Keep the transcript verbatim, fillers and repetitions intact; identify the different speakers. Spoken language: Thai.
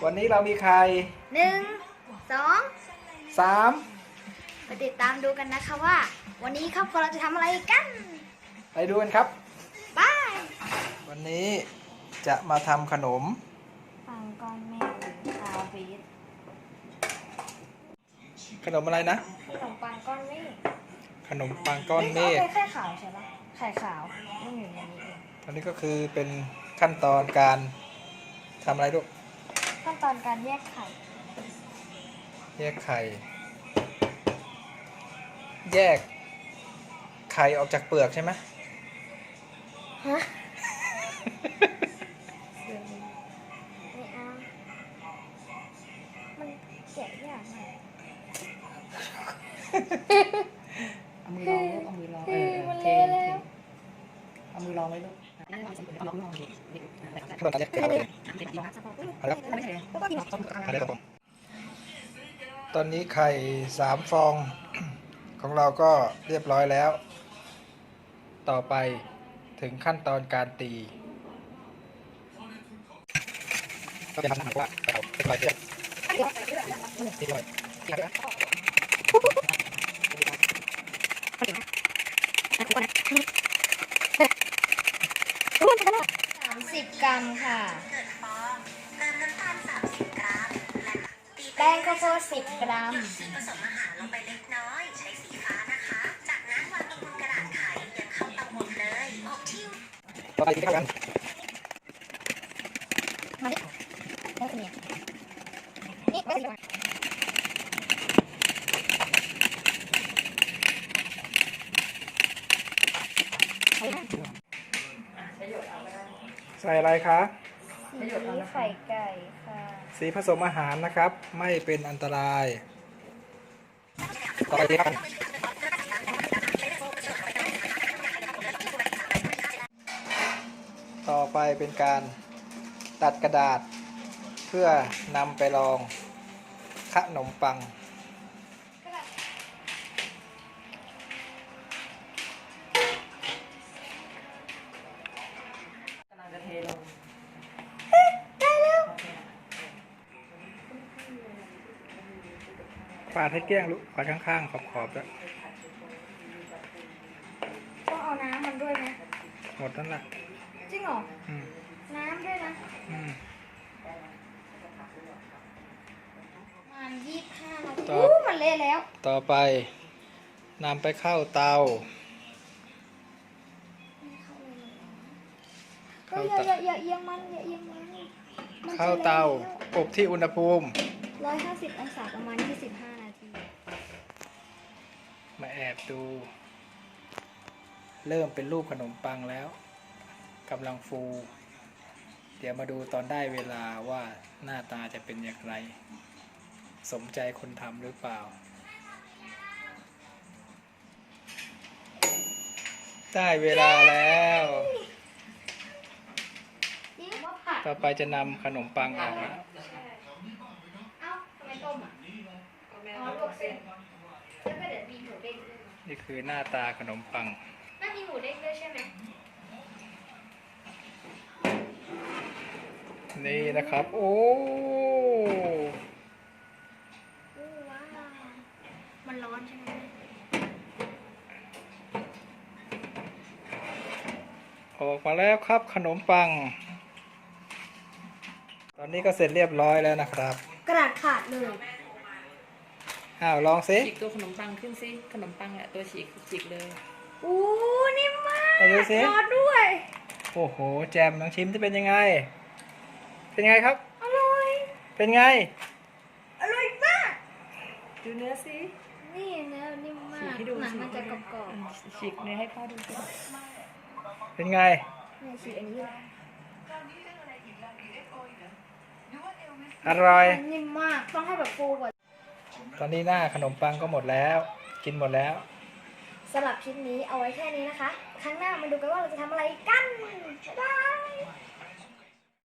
Speaker 1: วันนี้เรามีใคร
Speaker 2: หนึ่งสอง
Speaker 1: สาม
Speaker 2: ไปติดตามดูกันนะคะว่า วันนี้ครอบครัวเราจะทำอะไรกัน
Speaker 1: ไปดูกันครับ
Speaker 2: บาย
Speaker 1: วันนี้จะมาทำขนม
Speaker 2: ปังก้อนเมฆคาวบีท
Speaker 1: ขนมอะไรนะ
Speaker 2: ขนมปังก้อนเมฆ
Speaker 1: ขนมปังก้อนเมฆ
Speaker 2: ไข่ขาวใช่ปะไข่ขาวนี่อยู่ในนี้เอง
Speaker 1: อันนี้ก็คือเป็นขั้นตอนการทำอะไรลูก
Speaker 2: ขั้นตอนการแยกไข่
Speaker 1: แยกไข่แยกไข่ออกจากเปลือกใช่ไหม
Speaker 2: ฮะไม่เอามันแกะยากมาก
Speaker 3: เอามือลองลูกเอามือลองเออ
Speaker 2: มัน
Speaker 3: เท
Speaker 2: เละแล้ว
Speaker 3: เอามือลองไว้ลูกเอามือลองดิ
Speaker 1: ขั้นตอนการแยกไข่ออกจากแล้วตอนนี้ไข่สามฟองของเราก็เรียบร้อยแล้วต่อไปถึงขั้นตอนการตีก็จะทำให้ว่าเราเป็นไรเจ็บตีเลย
Speaker 2: สามสิบกรัมค่ะแป้งข้าวโพดสิบกรัม
Speaker 4: ผสมอาหารลงไปเล็กน้อยใช้สีฟ้านะคะจากนั้นวางลงบนกระดาษไขยังเข้าเตาอบเลยอบที่
Speaker 1: ต่อไปที่กัน
Speaker 2: มาดิได้สิเนี่ยนี่ได้สิ
Speaker 1: ใส่อะไรคะ
Speaker 2: สีไข่ไก่ค่ะ
Speaker 1: สีผสมอาหารนะครับไม่เป็นอันตรายต่อไปที่กันต่อไปเป็นการตัดกระดาษเพื่อนำไปรองขนมปัง
Speaker 3: กำลังจะเทลง
Speaker 1: ปาดให้เกลี้ยงลูกปาดข้างๆขอบๆแล้ว
Speaker 2: ต้องเอาน้ำมันด้วยไหม
Speaker 1: หมดนั่นแหละ
Speaker 2: จริงเหรอ
Speaker 1: อืม
Speaker 2: น้ำด้วยนะ
Speaker 1: อืม
Speaker 2: ประมาณยี่สิบห้านาทีอู้มันเละแล้ว
Speaker 1: ต่อไปนำไปเข้าเตา
Speaker 2: ก็อย่าอย่าอย่าเอียงมันอย่าเอียงมัน
Speaker 1: เข้าเตาอบที่อุณหภูมิ
Speaker 2: ร้อยห้าสิบองศาประมาณยี่สิบห้านาที
Speaker 1: มาแอบดูเริ่มเป็นรูปขนมปังแล้วกำลังฟูเดี๋ยวมาดูตอนได้เวลาว่าหน้าตาจะเป็นอย่างไรสมใจคนทำหรือเปล่าได้เวลาแล้วต่อไปจะนำขนมปังออกแล้ว
Speaker 2: เอ้าทำไมต้มอ่ะอ๋อลวกเส้นแล้วก็เดี๋ยวมีหมูเด้งด้วย
Speaker 1: นี่คือหน้าตาขนมปัง
Speaker 2: น่ามีหมูเด้งด้วยใช่ไหม
Speaker 1: นี่นะครับโอ้
Speaker 2: ว้าวมันร้อนใช่ไหม
Speaker 1: ออกมาแล้วครับขนมปังตอนนี้ก็เสร็จเรียบร้อยแล้วนะครับ
Speaker 2: กระดาษขาดเลย
Speaker 1: อ้าวลองสิ
Speaker 3: ฉีกตัวขนมปังขึ้นสิขนมปังอ่ะตัวฉีกฉีกเลย
Speaker 2: อู้นิ่มมาก
Speaker 1: ไปดูสิ
Speaker 2: ร้อนด้วย
Speaker 1: โอ้โหแจมลองชิมจะเป็นยังไงเป็นไงครับ
Speaker 2: อร่อย
Speaker 1: เป็นไง
Speaker 2: อร่อยมาก
Speaker 3: ดูเนื้อสิ
Speaker 2: นี่เนื้อนิ่มมากหนังมันจะกรอบ
Speaker 3: ๆฉีกเนื้อให้พ่อดูสิ
Speaker 1: เป็นไง
Speaker 2: นี่ฉีกอันนี้
Speaker 1: อร่อย
Speaker 2: นิ่มมากต้องให้แบบฟูกว่า
Speaker 1: ตอนนี้หน้าขนมปังก็หมดแล้วกินหมดแล้ว
Speaker 2: สำหรับคลิปนี้เอาไว้แค่นี้นะคะครั้งหน้ามาดูกันว่าเราจะทำอะไรกันบ๊ายบาย